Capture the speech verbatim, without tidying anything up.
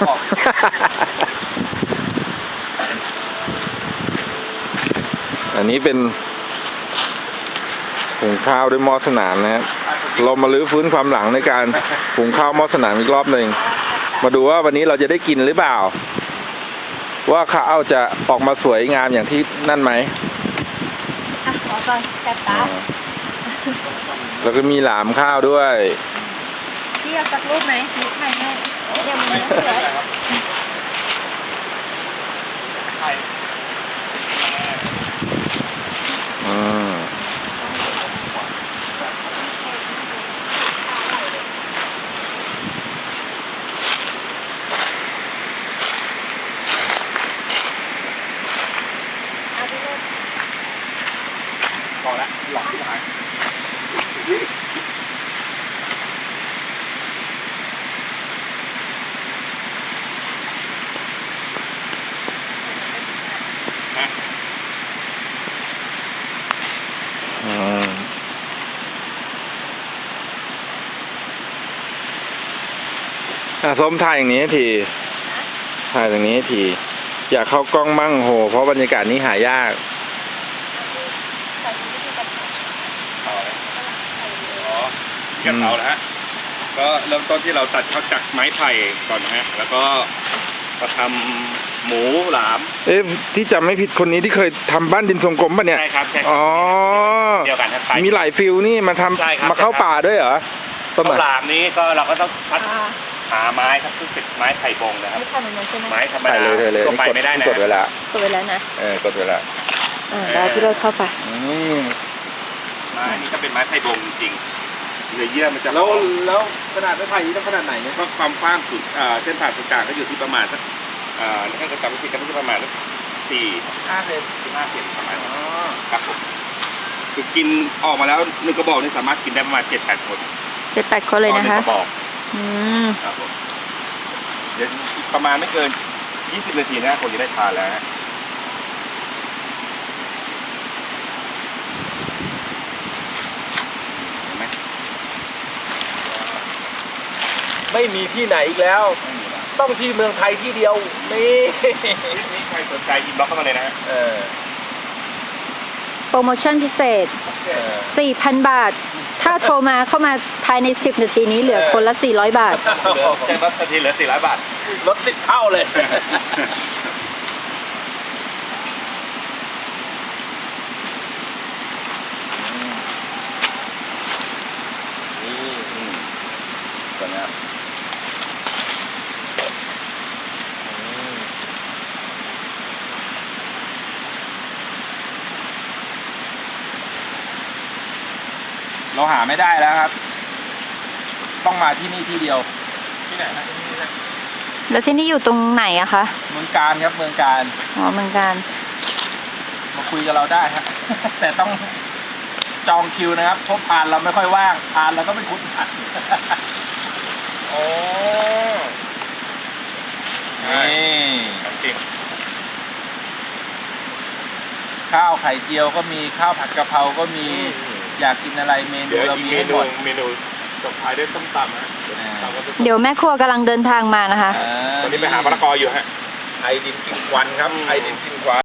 บอกอันนี้เป็นหุงข้าวด้วยหม้อสนามนะครับเรามาลื้อฟื้นความหลังในการหุงข้าวหม้อสนามอีกรอบหนึ่งมาดูว่าวันนี้เราจะได้กินหรือเปล่าว่าข้าวจะออกมาสวยงามอย่างที่นั่นไหมอ่ะขอก่อนแซ่บตาแล้วก็มีหลามข้าวด้วยพี่เอาสักรูปไหมนิดหน่อยให้เดี๋ยวมันไม่สวยอืมพอแล้วหลอกที่หายอืมอ่ะส้มถ่ายอย่างนี้ทีถ่ายอย่างนี้ทีอยากเข้ากล้องมั่งโหเพราะบรรยากาศนี้หายากกะเพรานะฮะก็เริ่มต้นที่เราตัดเขาจากไม้ไผ่ก่อนนะฮะแล้วก็มาทำหมูหลามเอ๊ะที่จำไม่ผิดคนนี้ที่เคยทำบ้านดินทรงกลมป่ะเนี่ยใช่ครับใช่อ๋อเดียวกันครับมีหลายฟิลนี่มาทำมาเข้าป่าด้วยเหรอข้าวหลามนี้ก็เราก็ต้องคัดหาไม้ครับซึ่งเป็นไม้ไผ่บงนะครับไม่ทำอย่างนั้นใช่ไหมไม้ธรรมดาตัวไปไม่ได้นะกดเวลากดไว้แล้วนะเออกดเวลาอ่าแล้วพี่โรดเข้าไปอืมไม้นี่ก็เป็นไม้ไผ่บงจริงเนื้อเยื่อมันจะแล้วแล้วขนาดไม้ไผ่นี้ต้องขนาดไหนเนี่ยก็ความกว้างสุดเส้นผ่านศูนย์กลางก็อยู่ที่ประมาณสักถ้าจะจำไม่ผิดก็จะประมาณสักสี่ห้าเซนสี่ห้าเซนประมาณนี้ครับผมคือกินออกมาแล้วหนึ่งกระบอกนี่สามารถกินได้ประมาณเจ็ดแปดคนเจ็ดแปดคนเลยนะคะหนึ่งกระบอกอืมครับผมเดี๋ยวประมาณไม่เกินยี่สิบนาทีนะคนจะได้ทานแล้วไม่มีที่ไหนอีกแล้ว ต้องที่เมืองไทยที่เดียวนี่นี่ใครสนใจอินบ็อกซ์เข้ามาเลยนะเออโปรโมชั่นพิเศษ สี่พัน บาท ถ้าโทรมาเข้ามาภายในสิบนาทีนี้เหลือคนละสี่ร้อยบาทเหลือแค่ลดนาทีเหลือสี่ร้อยบาทลดสิบเท่าเลยเราหาไม่ได้แล้วครับต้องมาที่นี่ที่เดียวที่ไหนนะที่นี่นะแล้วที่นี่อยู่ตรงไหนอะคะเมืองการครับเมืองการอ๋อเมืองการมาคุยกับเราได้ครับแต่ต้องจองคิวนะครับเพราะพานเราไม่ค่อยว่างพานเราก็ไม่คุ้นผัดโอ้นี่จริงข้าวไข่เจียวก็มีข้าวผัดกะเพราก็มีอยากกินอะไรเมนูเรามีให้หมดเมนูจบท้ายด้วยส้มตำนะเดี๋ยวแม่ครัวกำลังเดินทางมานะคะตอนนี้ไปหามะละกออยู่ฮะไอดินกินควันครับไอดินกินควัน